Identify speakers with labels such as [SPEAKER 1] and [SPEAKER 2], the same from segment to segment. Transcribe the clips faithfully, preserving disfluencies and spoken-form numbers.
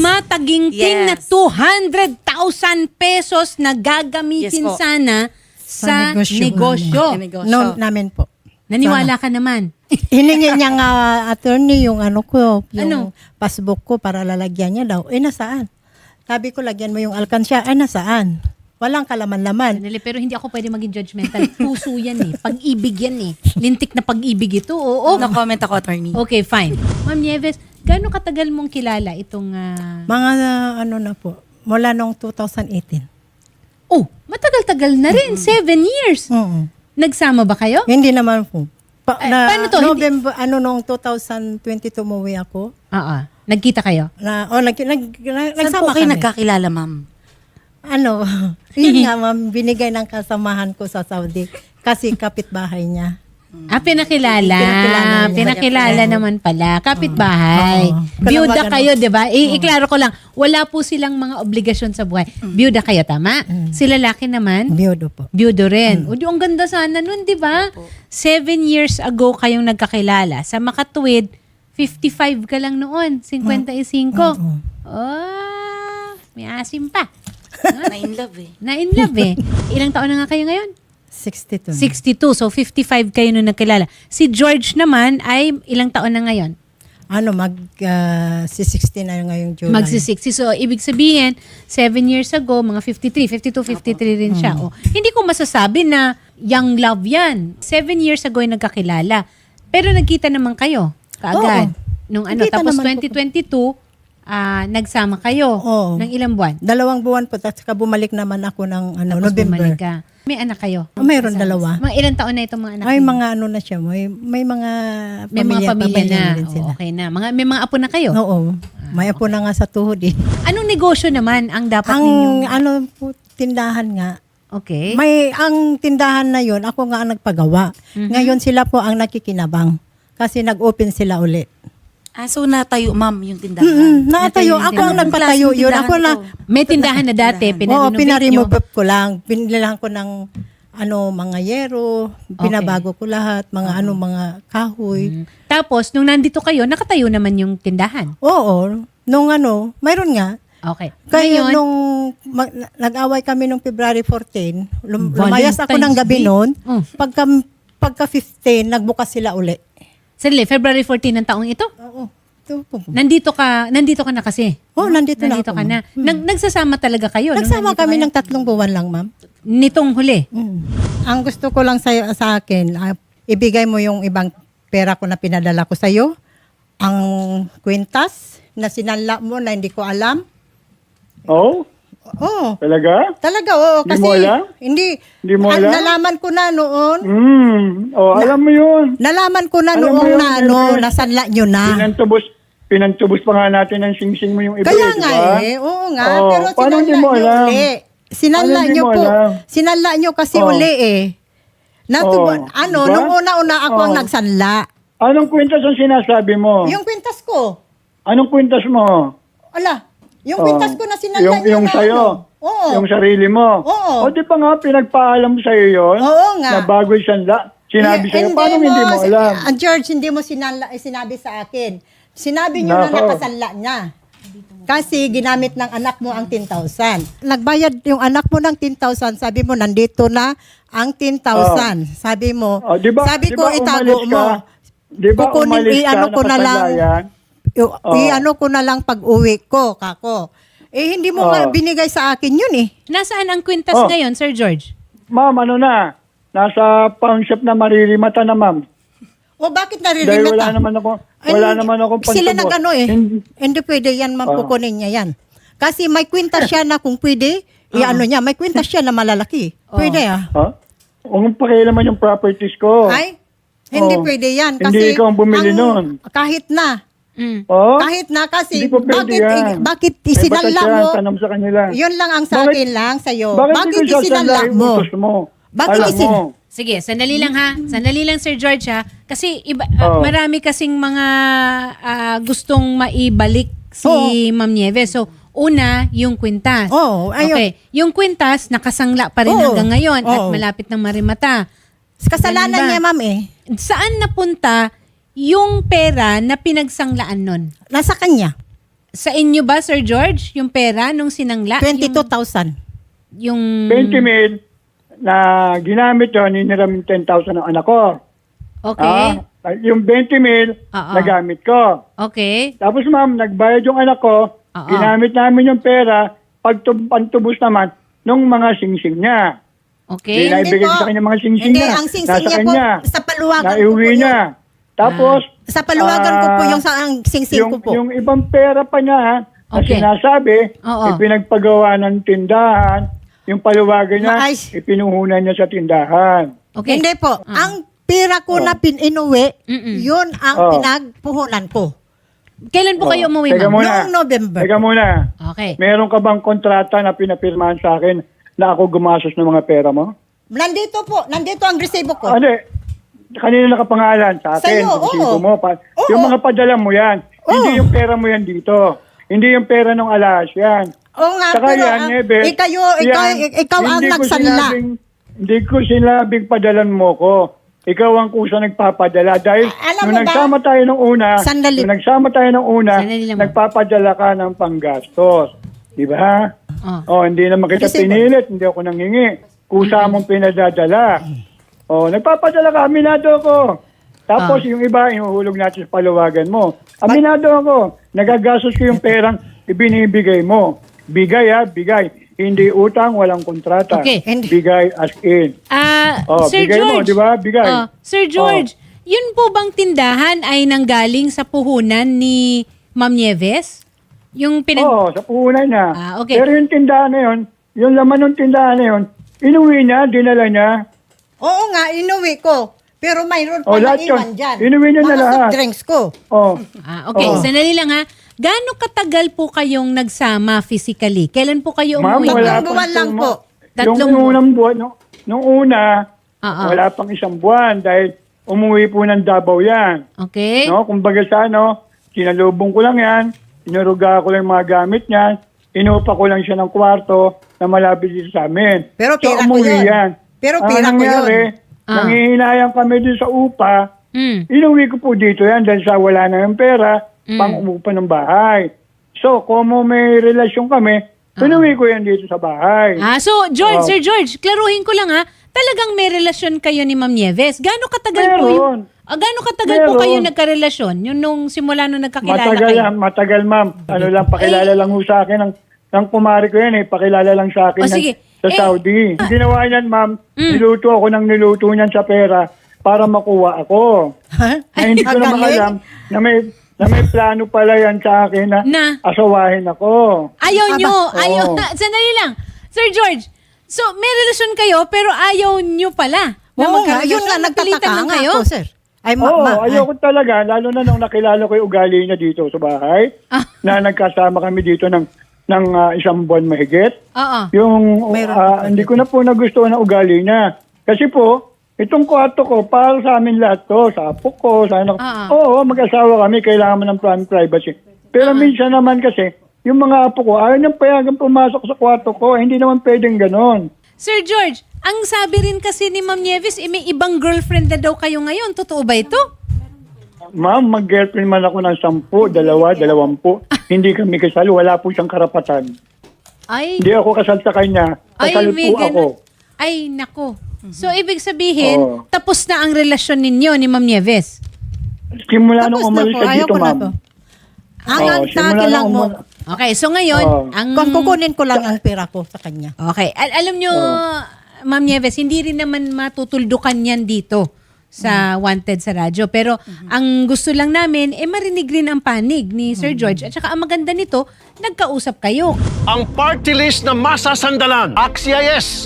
[SPEAKER 1] tumataginting
[SPEAKER 2] Yes.
[SPEAKER 1] na two hundred thousand pesos na gagamitin
[SPEAKER 2] Yes po.
[SPEAKER 1] sana sa,
[SPEAKER 3] negosyo
[SPEAKER 1] negosyo.
[SPEAKER 2] namin. Negosyo.
[SPEAKER 3] No, namin po.
[SPEAKER 1] Naniwala ka naman.
[SPEAKER 3] Hiningi niya nga attorney yung ano ko,
[SPEAKER 1] Ano?
[SPEAKER 3] yung passbook ko para lalagyan niya daw. Eh, nasaan? Sabi ko, lagyan mo yung alkansya. Ay, nasaan? Walang kalaman-laman.
[SPEAKER 1] Sanali, pero hindi ako pwede maging judgmental. Puso yan eh. Pag-ibig yan eh. Lintik na pag-ibig ito. Oo.
[SPEAKER 2] No comment ako, attorney.
[SPEAKER 1] Okay, fine. Ma'am Nieves, gaano katagal mong kilala itong... ah,
[SPEAKER 3] Mga uh, ano na po, mula nung two thousand eighteen.
[SPEAKER 1] Oh, matagal-tagal na rin. Seven years.
[SPEAKER 3] Oo.
[SPEAKER 1] Nagsama ba kayo?
[SPEAKER 3] Hindi naman po. Pa,
[SPEAKER 1] Eh,
[SPEAKER 3] na,
[SPEAKER 1] paano to? Hindi-
[SPEAKER 3] November, ano, nung two thousand twenty-two umuwi ako.
[SPEAKER 1] Oo. Nagkita kayo?
[SPEAKER 3] Na, oh, nag, nag, nag,
[SPEAKER 2] Saan
[SPEAKER 3] nagsama
[SPEAKER 2] po kayo
[SPEAKER 3] kami.
[SPEAKER 2] nagkakilala, ma'am?
[SPEAKER 3] Ano, yun nga ma'am, binigay ng kasamahan ko sa Saudi. Kasi kapitbahay niya.
[SPEAKER 1] Ah, pinakilala.
[SPEAKER 3] Pinakilala niya.
[SPEAKER 1] Pinakilala naman pala. Kapitbahay.
[SPEAKER 3] Oo.
[SPEAKER 1] Byuda
[SPEAKER 3] Kalabagan-
[SPEAKER 1] kayo, di ba? I- iklaro ko lang, wala po silang mga obligasyon sa buhay. Byuda kayo, tama? Si lalaki naman,
[SPEAKER 3] Biyudo po.
[SPEAKER 1] byudo rin. O di, ang ganda sana nun, di ba? Seven years ago kayong nagkakilala. Sa makatuwid, fifty-five ka lang noon. fifty-five. Oh, may asim pa.
[SPEAKER 2] Na in love eh.
[SPEAKER 1] Na in love eh. Ilang taon na nga kayo ngayon?
[SPEAKER 3] sixty-two.
[SPEAKER 1] sixty-two. So, fifty-five kayo nung nagkilala. Si George naman ay ilang taon na ngayon?
[SPEAKER 3] Ano, mag, uh, si sixty na ngayong July.
[SPEAKER 1] Magsi-sixty. So, ibig sabihin, seven years ago, mga fifty-three, fifty-two, fifty-three rin siya. O, hindi ko masasabi na young love yan. Seven years ago yung nagkakilala. Pero nagkita naman kayo kaagad.
[SPEAKER 3] Oo.
[SPEAKER 1] Nung ano,
[SPEAKER 3] Nagkita
[SPEAKER 1] tapos
[SPEAKER 3] naman po.
[SPEAKER 1] twenty twenty-two, ah, nagsama kayo.
[SPEAKER 3] Oo.
[SPEAKER 1] Ng ilang buwan?
[SPEAKER 3] Dalawang buwan po, tapos bumalik naman ako ng ano,
[SPEAKER 1] Tapos
[SPEAKER 3] November.
[SPEAKER 1] bumalik ka. May anak kayo?
[SPEAKER 3] Oh, mayroon dalawa.
[SPEAKER 1] Mga ilang taon na itong mga anak
[SPEAKER 3] Ay,
[SPEAKER 1] niyo?
[SPEAKER 3] mga ano na siya, may, may mga
[SPEAKER 1] May mga pamilya na.
[SPEAKER 3] rin sila.
[SPEAKER 1] Oo, okay na. Mga, may mga apo na kayo?
[SPEAKER 3] Oo. May apo na nga sa tuhod eh.
[SPEAKER 1] Anong negosyo naman ang dapat
[SPEAKER 3] Ang
[SPEAKER 1] ninyong...
[SPEAKER 3] ano po, tindahan nga.
[SPEAKER 1] Okay.
[SPEAKER 3] May, ang tindahan na yon ako nga ang nagpagawa. Ngayon sila po ang nakikinabang. Kasi nag-open sila uli.
[SPEAKER 2] Ah, so natayo, ma'am, yung tindahan.
[SPEAKER 3] Mm,
[SPEAKER 1] Natayo
[SPEAKER 3] natayo.
[SPEAKER 1] yung
[SPEAKER 3] Ako ang
[SPEAKER 1] tindahan.
[SPEAKER 3] nagpatayo
[SPEAKER 2] Klaseng
[SPEAKER 3] yun.
[SPEAKER 2] tindahan
[SPEAKER 3] Ako na,
[SPEAKER 2] to?
[SPEAKER 1] May tindahan na dati,
[SPEAKER 3] oo,
[SPEAKER 1] pinarenovate nyo.
[SPEAKER 3] pinaremove ko lang. Pinilahan ko ng ano, mga yero. Pinabago ko lahat. Mga ano, mga kahoy.
[SPEAKER 1] Mm. Tapos, nung nandito kayo, nakatayo naman yung tindahan.
[SPEAKER 3] Oo. Nung ano, mayroon nga.
[SPEAKER 1] Okay.
[SPEAKER 3] Kaya
[SPEAKER 1] Ngayon,
[SPEAKER 3] nung mag- nag-away kami nung February fourteen, lum-
[SPEAKER 1] Valentine's
[SPEAKER 3] lumayas ako ng gabi
[SPEAKER 1] Day.
[SPEAKER 3] noon.
[SPEAKER 1] Mm.
[SPEAKER 3] Pagka, pagka fifteen, nagbukas sila uli.
[SPEAKER 1] Sandali, February fourteen ng taong ito?
[SPEAKER 3] Oo. Ito po.
[SPEAKER 1] Nandito ka, nandito ka na kasi.
[SPEAKER 3] Oh, nandito,
[SPEAKER 1] Nandito
[SPEAKER 3] na ako.
[SPEAKER 1] ka na.
[SPEAKER 3] Mm.
[SPEAKER 1] Nag, nagsasama talaga kayo. nung
[SPEAKER 3] Nagsama
[SPEAKER 1] nandito
[SPEAKER 3] kami
[SPEAKER 1] kayo?
[SPEAKER 3] ng tatlong buwan lang, ma'am.
[SPEAKER 1] Nitong huli.
[SPEAKER 3] Mm. Ang gusto ko lang sa, sa akin, ah, ibigay mo yung ibang pera ko na pinadala ko sa'yo. Ang kwintas na sinanla mo na hindi ko alam.
[SPEAKER 4] Oh,
[SPEAKER 3] Oo.
[SPEAKER 4] talaga?
[SPEAKER 3] Talaga, oo.
[SPEAKER 4] Hindi
[SPEAKER 3] Kasi,
[SPEAKER 4] mo alam?
[SPEAKER 3] Hindi.
[SPEAKER 4] Hindi mo
[SPEAKER 3] Ah,
[SPEAKER 4] alam?
[SPEAKER 3] nalaman ko na noon.
[SPEAKER 4] Hmm. Oh, alam mo yun.
[SPEAKER 3] Nalaman ko na
[SPEAKER 4] Alam mo
[SPEAKER 3] noong
[SPEAKER 4] yun,
[SPEAKER 3] na ano,
[SPEAKER 4] siyempre.
[SPEAKER 3] nasanla nyo na.
[SPEAKER 4] Pinantubos, pinantubos pa nga natin ng sing-sing mo yung iba,
[SPEAKER 3] Kaya
[SPEAKER 4] eh, di
[SPEAKER 3] nga
[SPEAKER 4] ba?
[SPEAKER 3] eh, oo nga.
[SPEAKER 4] Oo,
[SPEAKER 3] Pero
[SPEAKER 4] paano
[SPEAKER 3] sinanla
[SPEAKER 4] hindi mo
[SPEAKER 3] nyo
[SPEAKER 4] alam?
[SPEAKER 3] uli. Sinanla
[SPEAKER 4] Paano hindi
[SPEAKER 3] nyo
[SPEAKER 4] mo
[SPEAKER 3] po.
[SPEAKER 4] alam?
[SPEAKER 3] Sinanla nyo kasi
[SPEAKER 4] Oo.
[SPEAKER 3] uli eh. Natubo,
[SPEAKER 4] Oo,
[SPEAKER 3] ano,
[SPEAKER 4] di ba?
[SPEAKER 3] nung una-una ako ang
[SPEAKER 4] Oo.
[SPEAKER 3] nagsanla.
[SPEAKER 4] Anong kwintas ang sinasabi mo?
[SPEAKER 3] Yung kwintas ko,
[SPEAKER 4] Anong kwintas mo?
[SPEAKER 3] ala, yung
[SPEAKER 4] Oh,
[SPEAKER 3] kwintas ko na sinanla
[SPEAKER 4] yung,
[SPEAKER 3] nyo
[SPEAKER 4] yung
[SPEAKER 3] na
[SPEAKER 4] sa'yo.
[SPEAKER 3] ano. Oo.
[SPEAKER 4] Yung sarili mo.
[SPEAKER 3] Oo.
[SPEAKER 4] O di pa nga, pinagpaalam sa'yo yun.
[SPEAKER 3] Oo nga.
[SPEAKER 4] Na bago sanla. Sinabi
[SPEAKER 3] Eh,
[SPEAKER 4] sa'yo,
[SPEAKER 3] hindi
[SPEAKER 4] paano
[SPEAKER 3] mo,
[SPEAKER 4] hindi mo alam?
[SPEAKER 3] Ah, George, hindi mo sinanla, eh, sinabi sa akin. Sinabi nyo na
[SPEAKER 4] Nako.
[SPEAKER 3] nakasanla niya. Kasi ginamit ng anak mo ang ten thousand. Nagbayad yung anak mo ng ten thousand. Sabi mo, nandito na ang ten thousand. Sabi mo,
[SPEAKER 4] Oh, di ba,
[SPEAKER 3] sabi
[SPEAKER 4] di
[SPEAKER 3] ko,
[SPEAKER 4] ba
[SPEAKER 3] itago
[SPEAKER 4] umalis
[SPEAKER 3] mo.
[SPEAKER 4] ka? Di ba
[SPEAKER 3] Kukunin,
[SPEAKER 4] umalis ka,
[SPEAKER 3] i-ano ko na lang.
[SPEAKER 4] nakasanlayan?
[SPEAKER 3] I-
[SPEAKER 4] Oh.
[SPEAKER 3] I-ano ko na lang pag uwi ko, kako. Eh, hindi mo
[SPEAKER 4] Oh.
[SPEAKER 3] nga binigay sa akin yun eh.
[SPEAKER 1] Nasaan ang kwintas
[SPEAKER 4] Oh.
[SPEAKER 1] ngayon, Sir George?
[SPEAKER 4] Ma'am, ano na? Nasa pawn shop na maririmata na, ma'am.
[SPEAKER 3] O bakit
[SPEAKER 4] Dahil
[SPEAKER 3] naririmata?
[SPEAKER 4] wala naman ako, wala naman akong pantubos.
[SPEAKER 3] Sila nag-ano eh.
[SPEAKER 4] Hindi-
[SPEAKER 3] Hindi pwede yan, ma'am,
[SPEAKER 4] Oh.
[SPEAKER 3] kukunin niya yan. Kasi may kwintas siya na kung pwede, i-ano niya, may kwintas siya na malalaki. Pwede ah.
[SPEAKER 4] Ha? Huwag mong pakialaman yung properties ko.
[SPEAKER 3] Ay, hindi
[SPEAKER 4] Oh.
[SPEAKER 3] pwede yan.
[SPEAKER 4] Hindi
[SPEAKER 3] Kasi
[SPEAKER 4] ikaw ang bumili
[SPEAKER 3] ang-
[SPEAKER 4] nun.
[SPEAKER 3] Kahit na.
[SPEAKER 1] Mm.
[SPEAKER 4] Oh?
[SPEAKER 3] Kahit na kasi,
[SPEAKER 4] Hindi po pwede
[SPEAKER 3] bakit,
[SPEAKER 4] yan.
[SPEAKER 3] bakit
[SPEAKER 4] May
[SPEAKER 3] isinanla
[SPEAKER 4] batas
[SPEAKER 3] mo?
[SPEAKER 4] yan, tanong sa kanila.
[SPEAKER 3] Yun lang ang sa
[SPEAKER 4] Bakit-
[SPEAKER 3] akin lang sa'yo.
[SPEAKER 4] Bakit,
[SPEAKER 3] Bakit
[SPEAKER 4] hindi ko
[SPEAKER 3] isinanla
[SPEAKER 4] sasanla
[SPEAKER 3] mo?
[SPEAKER 4] yung utos mo?
[SPEAKER 3] Bakit
[SPEAKER 4] Alam
[SPEAKER 3] isin-
[SPEAKER 4] mo.
[SPEAKER 1] Sige, sandali lang ha. Sandali lang, Sir George ha. Kasi iba, ah,
[SPEAKER 4] Oh.
[SPEAKER 1] marami kasing mga ah, gustong maibalik si Ma'am Nieves. So, una, yung kwintas.
[SPEAKER 3] Oo, ayun.
[SPEAKER 1] Okay. Yung kwintas, nakasangla pa rin
[SPEAKER 3] Oo.
[SPEAKER 1] hanggang ngayon at
[SPEAKER 3] Oo.
[SPEAKER 1] malapit ng marimata.
[SPEAKER 3] Kasalanan
[SPEAKER 1] Ganun ba?
[SPEAKER 3] niya, ma'am eh.
[SPEAKER 1] Saan napunta yung pera na pinagsanglaan nun?
[SPEAKER 3] Nasa kanya.
[SPEAKER 1] Sa inyo ba, Sir George, yung pera nung sinangla?
[SPEAKER 3] twenty-two thousand.
[SPEAKER 1] Yung,
[SPEAKER 4] twenty mil na ginamit yun, hiniram yung ten thousand ng anak ko.
[SPEAKER 1] okay.
[SPEAKER 4] Ah, yung twenty mil,
[SPEAKER 1] Oo.
[SPEAKER 4] nagamit ko.
[SPEAKER 1] Okay.
[SPEAKER 4] Tapos ma'am, nagbayad yung anak ko,
[SPEAKER 1] Oo.
[SPEAKER 4] ginamit namin yung pera, pagtub- pagtubos naman, nung mga singsing niya.
[SPEAKER 1] Okay.
[SPEAKER 4] Hindi Naibigay ko sa kanya mga singsing
[SPEAKER 3] Hindi,
[SPEAKER 4] niya.
[SPEAKER 3] ang singsing
[SPEAKER 4] Nasa
[SPEAKER 3] niya po,
[SPEAKER 4] kanya.
[SPEAKER 3] sa paluwagan ko po
[SPEAKER 4] Naiuwi
[SPEAKER 3] yun.
[SPEAKER 4] niya. Tapos,
[SPEAKER 3] Sa paluwagan ko po
[SPEAKER 4] ah,
[SPEAKER 3] yung sa ang singsing
[SPEAKER 4] yung,
[SPEAKER 3] ko po.
[SPEAKER 4] yung ibang pera pa niya, ha, na
[SPEAKER 1] Okay.
[SPEAKER 4] sinasabi,
[SPEAKER 1] Oo.
[SPEAKER 4] ipinagpagawa ng tindahan, yung paluwagan niya,
[SPEAKER 3] Maayos.
[SPEAKER 4] ipinuhunan niya sa tindahan.
[SPEAKER 1] Okay.
[SPEAKER 3] Hindi po. Ang pera ko na pininuwi,
[SPEAKER 1] Mm-mm.
[SPEAKER 3] yun ang
[SPEAKER 4] Oh.
[SPEAKER 3] pinagpuhunan ko.
[SPEAKER 1] Kailan po kayo umuwi,
[SPEAKER 4] Teka
[SPEAKER 1] ma'am?
[SPEAKER 4] muna.
[SPEAKER 3] Noong November.
[SPEAKER 4] Teka muna.
[SPEAKER 1] Okay.
[SPEAKER 4] Meron ka bang kontrata na pinapirmahan sa akin na ako gumastos ng mga pera mo?
[SPEAKER 3] Nandito po. Nandito ang resibo ko.
[SPEAKER 4] Ano eh, kanina nakapangalan sa akin.
[SPEAKER 3] Sa'yo,
[SPEAKER 4] sa resibo
[SPEAKER 3] oo.
[SPEAKER 4] mo. Pa-
[SPEAKER 3] Oo.
[SPEAKER 4] Yung mga padala mo yan. Hindi yung pera mo yan dito. Hindi yung pera ng alas yan.
[SPEAKER 3] Oo nga,
[SPEAKER 4] Saka
[SPEAKER 3] pero
[SPEAKER 4] yan,
[SPEAKER 3] ang-
[SPEAKER 4] Nebe,
[SPEAKER 3] ikayo, ikaw,
[SPEAKER 4] yan,
[SPEAKER 3] ikaw ang
[SPEAKER 4] hindi ko
[SPEAKER 3] nagsanla.
[SPEAKER 4] sinabing- Hindi ko sinabing padalan mo ko. Ikaw ang kusa nagpapadala. Dahil
[SPEAKER 3] Alam
[SPEAKER 4] nung
[SPEAKER 3] mo ba?
[SPEAKER 4] nagsama tayo nung una,
[SPEAKER 3] Sandali.
[SPEAKER 4] nung nagsama tayo nung una,
[SPEAKER 1] Sandali lang, ma'am.
[SPEAKER 4] nagpapadala ka ng panggastos. Di ba?
[SPEAKER 1] Oh.
[SPEAKER 4] Oh, hindi naman kita
[SPEAKER 3] Resibo.
[SPEAKER 4] pinilit, hindi ako nanghingi. Kusa mong pinadadala. Oh, nagpapadala ka, aminado ako. Tapos
[SPEAKER 1] Ah.
[SPEAKER 4] yung iba, inuhulog natin sa paluwagan mo. Aminado ako, nagagastos ko yung perang ibinibigay mo. Bigay ha, bigay. Hindi utang, walang kontrata.
[SPEAKER 1] Okay.
[SPEAKER 3] And-
[SPEAKER 4] Bigay as in.
[SPEAKER 1] Ah,
[SPEAKER 4] Oh,
[SPEAKER 1] Sir
[SPEAKER 4] bigay mo,
[SPEAKER 1] George.
[SPEAKER 4] di ba? Bigay.
[SPEAKER 1] Oh, Sir George, yun po bang tindahan ay nanggaling sa puhunan ni Ma'am Nieves? Yung pinag...
[SPEAKER 4] Oo, sa puhunan niya.
[SPEAKER 1] Ah, okay.
[SPEAKER 4] Pero yung tindahan na yun, yung laman ng tindahan na yun, inuwi niya, dinala niya.
[SPEAKER 3] Oo nga, inuwi ko. Pero mayroon pa
[SPEAKER 4] Oh,
[SPEAKER 3] na
[SPEAKER 4] lahat
[SPEAKER 3] iwan
[SPEAKER 4] yun.
[SPEAKER 3] dyan.
[SPEAKER 4] Inuwi niya na
[SPEAKER 3] Mga
[SPEAKER 4] lahat.
[SPEAKER 3] soft drinks ko.
[SPEAKER 4] Oh.
[SPEAKER 1] Ah, okay,
[SPEAKER 4] Oo.
[SPEAKER 1] sandali lang ha. Gaano katagal po kayong nagsama physically? Kailan po kayo
[SPEAKER 4] Ma'am,
[SPEAKER 1] umuwi?
[SPEAKER 4] wala
[SPEAKER 3] Tatlong buwan
[SPEAKER 4] pang-
[SPEAKER 3] lang po.
[SPEAKER 1] Tatlong
[SPEAKER 4] yung
[SPEAKER 1] buwan.
[SPEAKER 4] unang buwan, nung, nung una,
[SPEAKER 1] Oo.
[SPEAKER 4] wala pang isang buwan dahil umuwi po ng Davao yan.
[SPEAKER 1] Okay?
[SPEAKER 4] No? Kumbaga sa ano, sinalubong ko lang yan, inuruga ko lang yung mga gamit niya, inupa ko lang siya ng kwarto na malapit dito sa amin.
[SPEAKER 3] Pero
[SPEAKER 4] So,
[SPEAKER 3] pera ko
[SPEAKER 4] umuwi
[SPEAKER 3] yun.
[SPEAKER 4] yan.
[SPEAKER 3] Pero
[SPEAKER 4] Ang
[SPEAKER 3] pera ko
[SPEAKER 4] nangyari,
[SPEAKER 3] yun.
[SPEAKER 1] Ah.
[SPEAKER 4] nanghihinayang kami din sa upa,
[SPEAKER 1] Mm.
[SPEAKER 4] inuwi ko po dito yan dahil sa wala na yung pera,
[SPEAKER 1] Mm.
[SPEAKER 4] pang umupa ng bahay. So, kung may relasyon kami, inuwi ko yan dito sa bahay.
[SPEAKER 1] Ah, so George,
[SPEAKER 4] Oh.
[SPEAKER 1] Sir George, klaruhin ko lang ha. Talagang may relasyon kayo ni Ma'am Nieves. Gaano katagal po
[SPEAKER 4] Meron.
[SPEAKER 1] yung... Ah, gaano katagal po
[SPEAKER 4] Meron.
[SPEAKER 1] kayo nagkarelasyon? Yung nung simula nung nagkakilala
[SPEAKER 4] Matagal
[SPEAKER 1] kayo?
[SPEAKER 4] yan, matagal ma'am. Ano lang, pakilala lang ho sa akin ng, ng kumari ko yan eh. Pakilala lang sa akin
[SPEAKER 1] O,
[SPEAKER 4] ng-
[SPEAKER 1] sige.
[SPEAKER 4] sa
[SPEAKER 1] Eh,
[SPEAKER 4] Saudi. Ang ginawa niyan ma'am,
[SPEAKER 1] Mm.
[SPEAKER 4] niluto ako ng niluto niyan sa pera para makuha ako.
[SPEAKER 3] Ha?
[SPEAKER 4] Na hindi ko
[SPEAKER 3] Ang
[SPEAKER 4] naman
[SPEAKER 3] galing.
[SPEAKER 4] alam na may, na may plano pala yan sa akin na,
[SPEAKER 1] Na?
[SPEAKER 4] asawahin ako.
[SPEAKER 1] Ayaw
[SPEAKER 3] Aba,
[SPEAKER 1] nyo. Ayaw.
[SPEAKER 4] oo.
[SPEAKER 1] Sandali lang. Sir George, so may relasyon kayo pero ayaw nyo pala. na
[SPEAKER 3] Oo nga,
[SPEAKER 1] magkarelasyon.
[SPEAKER 3] yun nga,
[SPEAKER 1] Napilitan
[SPEAKER 3] nagtataka
[SPEAKER 1] lang
[SPEAKER 3] nga
[SPEAKER 1] kayo?
[SPEAKER 3] ako, sir. Ay, ma-
[SPEAKER 4] Oo,
[SPEAKER 3] ma-
[SPEAKER 4] ayoko talaga, lalo na nung nakilala ko yung ugali niya dito sa bahay,
[SPEAKER 1] Ah.
[SPEAKER 4] na nagkasama kami dito ng, ng ah, isang buwan mahigit.
[SPEAKER 1] Oo.
[SPEAKER 4] Yung
[SPEAKER 3] Mayroon
[SPEAKER 4] ah,
[SPEAKER 3] pa
[SPEAKER 4] hindi ko na po nagustuhan ang ugali niya. Kasi po, itong kwarto ko, para sa amin lahat to, sa apo ko, sa anak.
[SPEAKER 1] Ah.
[SPEAKER 4] Oo, mag-asawa kami, kailangan mo ng prime privacy. Pero minsan naman kasi, yung mga apo ko, ayaw niyang payagan pumasok sa kwarto ko, hindi naman pwedeng ganon.
[SPEAKER 1] Sir George, ang sabi rin kasi ni Ma'am Nieves, eh, may ibang girlfriend na daw kayo ngayon. Totoo ba ito?
[SPEAKER 4] Ma'am, mag-girlfriend man ako ng sampu, dalawa, dalawampu. Hindi kami kasal, wala po siyang karapatan.
[SPEAKER 1] Ay,
[SPEAKER 4] Hindi ako kasal sa kanya,
[SPEAKER 1] ay,
[SPEAKER 4] kasal
[SPEAKER 1] may
[SPEAKER 4] po ako.
[SPEAKER 1] ganun. Ay, nako. So, ibig sabihin,
[SPEAKER 4] Oo.
[SPEAKER 1] tapos na ang relasyon ninyo ni Ma'am Nieves?
[SPEAKER 4] Simula nung
[SPEAKER 3] Tapos na
[SPEAKER 4] umalis
[SPEAKER 3] po,
[SPEAKER 4] siya
[SPEAKER 3] ayaw
[SPEAKER 4] dito,
[SPEAKER 3] ko na
[SPEAKER 4] ma'am.
[SPEAKER 3] to. Ang
[SPEAKER 4] Oo,
[SPEAKER 3] ang sa
[SPEAKER 4] simula
[SPEAKER 3] akin
[SPEAKER 4] nung
[SPEAKER 3] lang mo,
[SPEAKER 4] umal-
[SPEAKER 1] Okay, so ngayon,
[SPEAKER 4] Oo.
[SPEAKER 1] ang...
[SPEAKER 3] kung kukunin ko lang ang pera ko sa kanya.
[SPEAKER 1] Okay. Al- alam nyo, Ma'am Nieves, hindi rin naman matutuldukan yan dito sa Wanted sa radyo. Pero ang gusto lang namin, eh marinig rin ang panig ni Sir George. At saka ang maganda nito, nagkausap kayo.
[SPEAKER 5] Ang party list na masasandalan. Axia yes!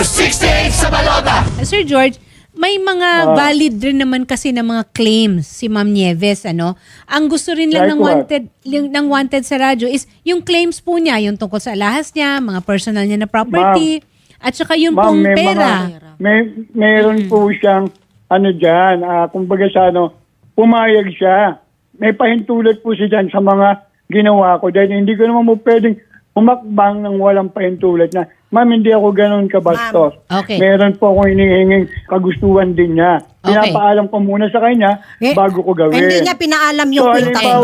[SPEAKER 1] Sir George, may mga valid rin naman kasi ng mga claims si Ma'am Nieves, ano? Ang gusto rin lang
[SPEAKER 4] Like
[SPEAKER 1] ng
[SPEAKER 4] what?
[SPEAKER 1] wanted yung- ng wanted sa radyo is yung claims po niya, yung tungkol sa alahas niya, mga personal niya na property, at saka yung
[SPEAKER 4] Ma'am,
[SPEAKER 1] pong
[SPEAKER 4] may
[SPEAKER 1] pera.
[SPEAKER 4] mga, may, meron po siyang, ano dyan, ah, kumbaga sa ano, pumayag siya. May pahintulot po siya dyan sa mga ginawa ko. Dahil hindi ko naman mo pwedeng umakbang ng walang pahintulot na, ma'am, hindi ako ganun kabastos.
[SPEAKER 1] Ma'am, okay.
[SPEAKER 4] Meron po akong hinihinging kagustuhan din niya.
[SPEAKER 1] Okay.
[SPEAKER 4] Pinapaalam ko muna sa kanya
[SPEAKER 3] Eh,
[SPEAKER 4] bago ko gawin.
[SPEAKER 3] Hindi niya pinaalam yung
[SPEAKER 4] So,
[SPEAKER 3] kwenta ko,
[SPEAKER 4] halimbawa,
[SPEAKER 3] ma'am.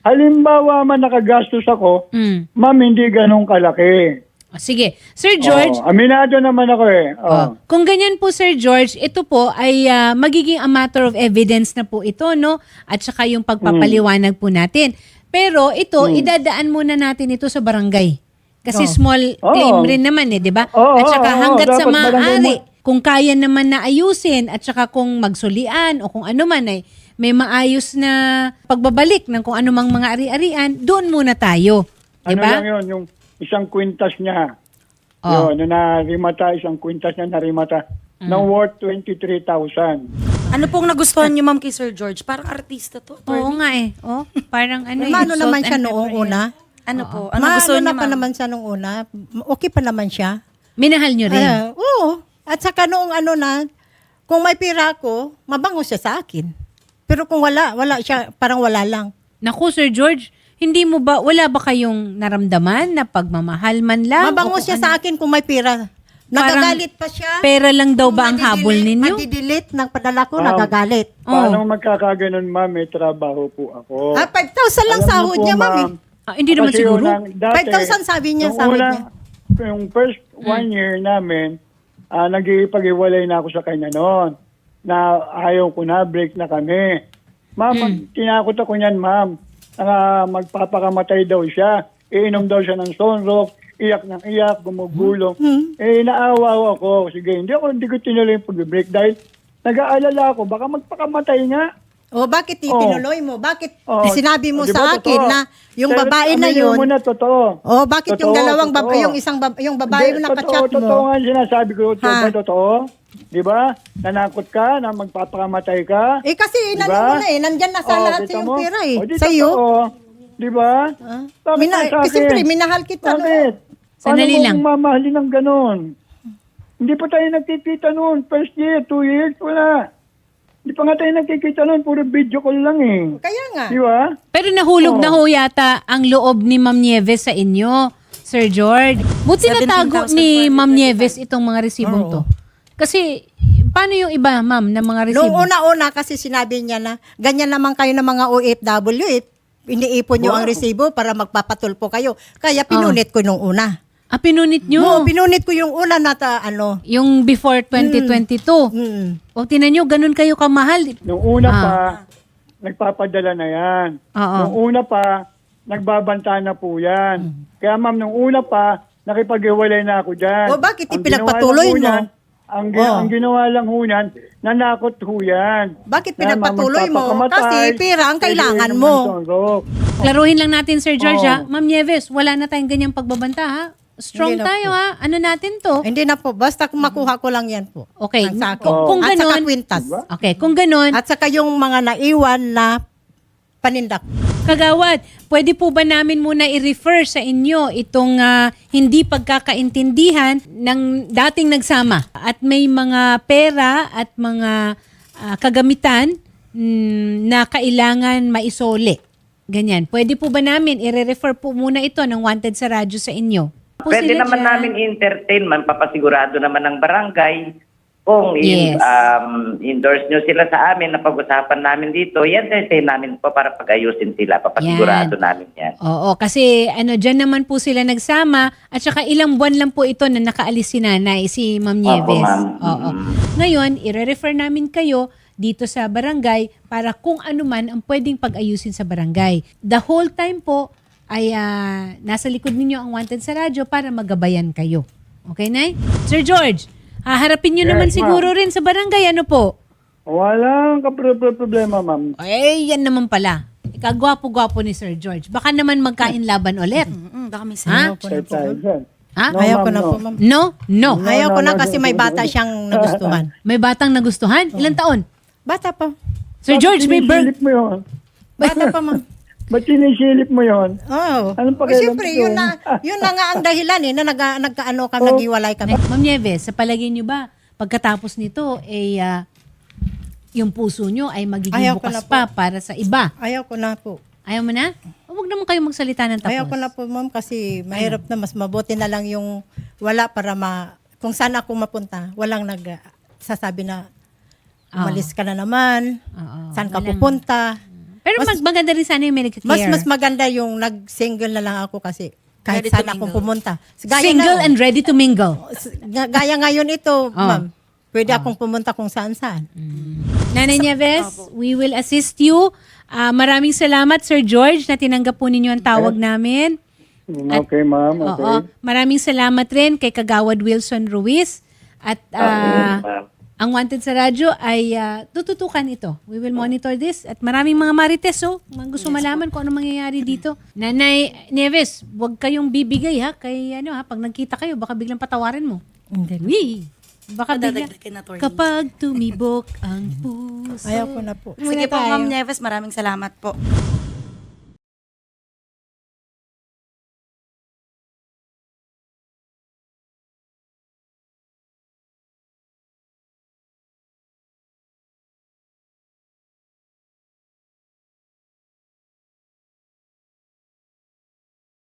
[SPEAKER 4] Halimbawa man nakagastos ako,
[SPEAKER 1] Mm.
[SPEAKER 4] ma'am, hindi ganun kalaki.
[SPEAKER 1] O, sige. Sir George,
[SPEAKER 4] Oo, aminado naman ako eh. Oo.
[SPEAKER 1] oh, kung ganyan po Sir George, ito po ay ah, magiging a matter of evidence na po ito, no? At saka yung pagpapaliwanag po natin. Pero ito, idadaan muna natin ito sa barangay. Kasi
[SPEAKER 3] Oo.
[SPEAKER 1] small
[SPEAKER 4] Oo.
[SPEAKER 1] claim rin naman eh, di ba?
[SPEAKER 4] Oo,
[SPEAKER 1] At saka
[SPEAKER 4] oo,
[SPEAKER 1] hanggat sa
[SPEAKER 4] dapat barangay
[SPEAKER 1] maaari,
[SPEAKER 4] mo-
[SPEAKER 1] kung kaya naman na ayusin at saka kung magsulian o kung ano man ay may maayos na pagbabalik ng kung anumang mga ari-arian, doon muna tayo. Di
[SPEAKER 4] Ano
[SPEAKER 1] ba?
[SPEAKER 4] lang yun, yung isang kwintas niya.
[SPEAKER 1] Oh.
[SPEAKER 4] Yun, na narimata, isang kwintas niya narimata. Na worth twenty-three thousand.
[SPEAKER 2] Ano pong nagustuhan niyo, ma'am, kay Sir George? Parang artista to.
[SPEAKER 1] Oo
[SPEAKER 2] attorney.
[SPEAKER 1] nga eh. Oh, parang ano eh,
[SPEAKER 3] Mano
[SPEAKER 1] salt
[SPEAKER 3] naman
[SPEAKER 1] and
[SPEAKER 3] siya
[SPEAKER 1] pepper
[SPEAKER 3] noong
[SPEAKER 1] yan.
[SPEAKER 3] una.
[SPEAKER 2] Ano po? Ano
[SPEAKER 3] Maano
[SPEAKER 2] gusto niyo,
[SPEAKER 3] na pa
[SPEAKER 2] ma'am?
[SPEAKER 3] naman siya nung una. Okay pa naman siya.
[SPEAKER 1] Minahal nyo rin.
[SPEAKER 3] Ah, oo. At saka noong ano na, kung may pira ako, mabango siya sa akin. Pero kung wala, wala siya, parang wala lang.
[SPEAKER 1] Naku, Sir George, hindi mo ba, wala ba kayong naramdaman na pagmamahal man lang?
[SPEAKER 3] Mabango
[SPEAKER 1] O kung
[SPEAKER 3] siya
[SPEAKER 1] ano?
[SPEAKER 3] sa akin kung may pira. Nagagalit pa siya.
[SPEAKER 1] Pera lang daw ba ang
[SPEAKER 3] Kung
[SPEAKER 1] habol
[SPEAKER 3] madidelete-
[SPEAKER 1] ninyo?
[SPEAKER 3] Madidelete ng padala ko,
[SPEAKER 4] Ma'am.
[SPEAKER 3] nagagalit.
[SPEAKER 4] Paano magkakaganon, ma'am? May trabaho po ako.
[SPEAKER 3] Ah, five thousand lang
[SPEAKER 4] Alam niyo
[SPEAKER 3] sahod
[SPEAKER 4] po,
[SPEAKER 3] niya, ma'am. eh.
[SPEAKER 1] Ah, hindi naman
[SPEAKER 4] Kasi
[SPEAKER 1] siguro.
[SPEAKER 4] unang- dati,
[SPEAKER 3] five thousand sabi niya,
[SPEAKER 4] nung
[SPEAKER 3] sahod
[SPEAKER 4] una,
[SPEAKER 3] niya.
[SPEAKER 4] Yung first one year namin, ah nag-iipag-iwalay na ako sa kanya noon. Na ayaw ko na, break na kami. Ma'am, pag tinakot ako niyan, ma'am, na magpapakamatay daw siya. Iinom daw siya ng sunrock, iyak ng iyak, gumugulong. Eh, naawa ako. Sige, hindi ako, hindi ko tinuloy yung pag-break dahil nag-aalala ako, baka magpakamatay nga.
[SPEAKER 3] O bakit
[SPEAKER 4] Oh.
[SPEAKER 3] itinuloy mo? Bakit
[SPEAKER 4] Oh,
[SPEAKER 3] sinabi mo
[SPEAKER 4] di ba,
[SPEAKER 3] sa akin
[SPEAKER 4] totoo?
[SPEAKER 3] na yung
[SPEAKER 4] Pero
[SPEAKER 3] babae na
[SPEAKER 4] aminin
[SPEAKER 3] yun?
[SPEAKER 4] mo na, totoo.
[SPEAKER 3] Oh, bakit yung
[SPEAKER 4] Totoo,
[SPEAKER 3] dalawang
[SPEAKER 4] totoo.
[SPEAKER 3] babae, yung isang bab- yung babae
[SPEAKER 4] Hindi,
[SPEAKER 3] na
[SPEAKER 4] totoo,
[SPEAKER 3] kachat
[SPEAKER 4] Totoo
[SPEAKER 3] mo?
[SPEAKER 4] nga sinasabi ko. Totoo
[SPEAKER 3] Ha?
[SPEAKER 4] ba, totoo? Di ba? Nanakot ka na magpapakamatay ka.
[SPEAKER 3] Eh kasi
[SPEAKER 4] Diba?
[SPEAKER 3] inano mo na eh, nandyan na sa
[SPEAKER 4] Oh,
[SPEAKER 3] lahat
[SPEAKER 4] kita
[SPEAKER 3] yung
[SPEAKER 4] mo?
[SPEAKER 3] pera eh.
[SPEAKER 4] O, di
[SPEAKER 3] Sa iyo.
[SPEAKER 4] totoo. Di ba?
[SPEAKER 3] Ah.
[SPEAKER 4] Bakit
[SPEAKER 3] Mina-
[SPEAKER 4] nga sa
[SPEAKER 3] kasi
[SPEAKER 4] akin?
[SPEAKER 3] siyempre, minahal kita, no?
[SPEAKER 4] Bakit?
[SPEAKER 1] Sandali
[SPEAKER 4] Paano
[SPEAKER 1] lang.
[SPEAKER 4] mo mamahalin ng ganon? Hindi pa tayo nagkikita noon. First year, two years, wala. Hindi pa nga tayo nagkikita noon. Puro video call lang eh.
[SPEAKER 3] Kaya nga.
[SPEAKER 4] Di ba?
[SPEAKER 1] Pero nahulog
[SPEAKER 4] Oo.
[SPEAKER 1] na ho yata ang loob ni Ma'am Nieves sa inyo, Sir George. Buti natago ni Ma'am Nieves itong mga resibong to. Kasi, paano yung iba, Ma'am, ng mga resibo?
[SPEAKER 3] Noong una-una kasi sinabi niya na, ganyan naman kayo ng mga O F W eh. Iniipon niyo ang resibo para magpapatulpo kayo. Kaya pinunit ko nung una.
[SPEAKER 1] Ah, pinunit nyo.
[SPEAKER 3] Oo, pinunit ko yung una na ta, ano.
[SPEAKER 1] Yung before twenty twenty-two.
[SPEAKER 3] Mm.
[SPEAKER 1] O, tinan nyo, ganun kayo kamahal.
[SPEAKER 4] Nung una
[SPEAKER 1] Ah.
[SPEAKER 4] pa, nagpapadala na yan.
[SPEAKER 1] Oo.
[SPEAKER 4] Nung una pa, nagbabanta na po yan. Kaya ma'am, nung una pa, nakipag-iwalay na ako dyan.
[SPEAKER 3] O, bakit
[SPEAKER 4] Ang
[SPEAKER 3] ipinagpatuloy
[SPEAKER 4] ginawa lang ho
[SPEAKER 3] mo?
[SPEAKER 4] yan, Ang, gi-
[SPEAKER 3] Oh.
[SPEAKER 4] ang ginawa lang ho yan, nanakot ho yan.
[SPEAKER 3] Bakit
[SPEAKER 4] Na, ma'am,
[SPEAKER 3] pinagpatuloy mo?
[SPEAKER 4] magpapakamatay,
[SPEAKER 3] Kasi pera ang kailangan
[SPEAKER 4] pwede
[SPEAKER 3] mo.
[SPEAKER 4] inom ng sunrock.
[SPEAKER 1] Klaruhin lang natin, Sir George,
[SPEAKER 4] Oo.
[SPEAKER 1] ha? Ma'am Nieves, wala na tayong ganyang pagbabanta, ha? Strong
[SPEAKER 3] Hindi na
[SPEAKER 1] tayo,
[SPEAKER 3] po.
[SPEAKER 1] ha? Ano natin to?
[SPEAKER 3] Hindi na po. Basta kung makuha ko lang yan po.
[SPEAKER 1] Okay.
[SPEAKER 3] Ang sa akin.
[SPEAKER 1] Kung, kung
[SPEAKER 3] At saka
[SPEAKER 1] ganon,
[SPEAKER 3] kwintas.
[SPEAKER 1] okay, kung ganon,
[SPEAKER 3] At saka yung mga naiwan na panindak.
[SPEAKER 1] Kagawad, pwede po ba namin muna i-refer sa inyo itong ah, hindi pagkakaintindihan ng dating nagsama at may mga pera at mga ah, kagamitan mm, na kailangan maisole? Ganyan. Pwede po ba namin i-refer po muna ito ng Wanted sa radyo sa inyo? Po
[SPEAKER 6] Pwede
[SPEAKER 1] sila
[SPEAKER 6] naman
[SPEAKER 1] dyan.
[SPEAKER 6] namin i-entertain, man, papasigurado naman ng barangay kung
[SPEAKER 1] Yes.
[SPEAKER 6] in, um, endorse nyo sila sa amin na pag-usapan namin dito, yan entertain namin po para pag-ayusin sila, papasigurado
[SPEAKER 1] Yan.
[SPEAKER 6] namin yan.
[SPEAKER 1] Oo, kasi ano, dyan naman po sila nagsama at saka ilang buwan lang po ito na nakaalis si nanay, si Ma'am Nieves.
[SPEAKER 6] ma'am.
[SPEAKER 1] Oo.
[SPEAKER 6] Mm.
[SPEAKER 1] Ngayon, i-refer namin kayo dito sa barangay para kung ano man ang pwedeng pag-ayusin sa barangay. The whole time po ay ah, nasa likod ninyo ang Wanted sa radyo para magabayan kayo. Okay, Nay? Sir George, haharapin nyo
[SPEAKER 4] Yes,
[SPEAKER 1] naman
[SPEAKER 4] ma'am.
[SPEAKER 1] siguro rin sa barangay. Ano po?
[SPEAKER 4] Walang kapro- problema, ma'am.
[SPEAKER 1] Eh, yan naman pala. Ikagwapo-gwapo ni Sir George. Baka naman magkain laban ulit.
[SPEAKER 2] Mm, baka may
[SPEAKER 1] Ha?
[SPEAKER 2] sinaw.
[SPEAKER 4] Kahit tayo dyan.
[SPEAKER 1] Ha?
[SPEAKER 4] No,
[SPEAKER 3] Ayaw ko
[SPEAKER 4] ma'am,
[SPEAKER 3] na
[SPEAKER 4] no.
[SPEAKER 3] po, ma'am.
[SPEAKER 1] No? No.
[SPEAKER 4] No,
[SPEAKER 3] Ayaw ko
[SPEAKER 4] no,
[SPEAKER 3] na
[SPEAKER 4] no,
[SPEAKER 3] kasi
[SPEAKER 4] no,
[SPEAKER 3] may
[SPEAKER 4] no,
[SPEAKER 3] bata
[SPEAKER 4] no.
[SPEAKER 3] siyang nagustuhan.
[SPEAKER 1] May batang nagustuhan? Ilang taon?
[SPEAKER 3] Bata pa.
[SPEAKER 1] Sir George, may birth.
[SPEAKER 4] Sinisilip mo yun.
[SPEAKER 3] Bata pa, ma'am.
[SPEAKER 4] Ba't sinisilip mo yun?
[SPEAKER 3] Oh.
[SPEAKER 4] Anong
[SPEAKER 3] Eh,
[SPEAKER 4] pakialam
[SPEAKER 3] siyempre,
[SPEAKER 4] ko?
[SPEAKER 3] yun na, yun na nga ang dahilan eh, na nag, nagkaano kami,
[SPEAKER 4] Oh.
[SPEAKER 3] naghiwalay kami.
[SPEAKER 1] Ma'am Nieves, sa palagay niyo ba, pagkatapos nito, eh, ah, yung puso niyo ay magiging
[SPEAKER 3] Ayaw ko
[SPEAKER 1] bukas
[SPEAKER 3] na po.
[SPEAKER 1] pa para sa iba?
[SPEAKER 3] Ayaw ko na po.
[SPEAKER 1] Ayaw mo na? O, huwag naman kayo magsalita ng tapos.
[SPEAKER 3] Ayaw ko na po, ma'am, kasi mahirap na. Mas mabuti na lang yung wala para ma... Kung saan ako mapunta, walang nag sasabi na umalis ka na naman,
[SPEAKER 1] Oo,
[SPEAKER 3] saan ka
[SPEAKER 1] walang-
[SPEAKER 3] pupunta.
[SPEAKER 1] Pero Pero
[SPEAKER 3] Mas-
[SPEAKER 1] mag maganda rin sana yung medical care.
[SPEAKER 3] Mas mas maganda yung nag-single na lang ako kasi kahit
[SPEAKER 2] Ready to
[SPEAKER 3] saan akong
[SPEAKER 2] mingle.
[SPEAKER 3] pumunta. Gaya
[SPEAKER 1] Single
[SPEAKER 3] na,
[SPEAKER 1] and ready to mingle.
[SPEAKER 3] Ga- Gaya ngayon ito,
[SPEAKER 1] Oh.
[SPEAKER 3] ma'am. Pwede akong pumunta kung saan-saan.
[SPEAKER 1] Nanay Nieves, we will assist you. Ah, maraming salamat, Sir George, na tinanggap po ninyo ang tawag namin.
[SPEAKER 4] Okay, ma'am. Okay.
[SPEAKER 1] Oo. Maraming salamat rin kay Kagawad Wilson Ruiz. At ah,
[SPEAKER 6] ma'am.
[SPEAKER 1] ang Wanted sa Radyo ay ah, tututukan ito. We will monitor this. At maraming mga marites, oh, mga gusto malaman kung ano mangyayari dito. Nanay Nieves, huwag kayong bibigay ha. Kay ano ha, pag nagkita kayo, baka biglang patawarin mo.
[SPEAKER 3] Hindi.
[SPEAKER 1] Wee! Baka bigla.
[SPEAKER 2] Madadagdagan na, attorney.
[SPEAKER 1] Kapag tumibok ang puso.
[SPEAKER 3] Ayaw ko na po.
[SPEAKER 2] Sige po,
[SPEAKER 1] Muna tayo.
[SPEAKER 2] Ma'am Nieves, maraming salamat po.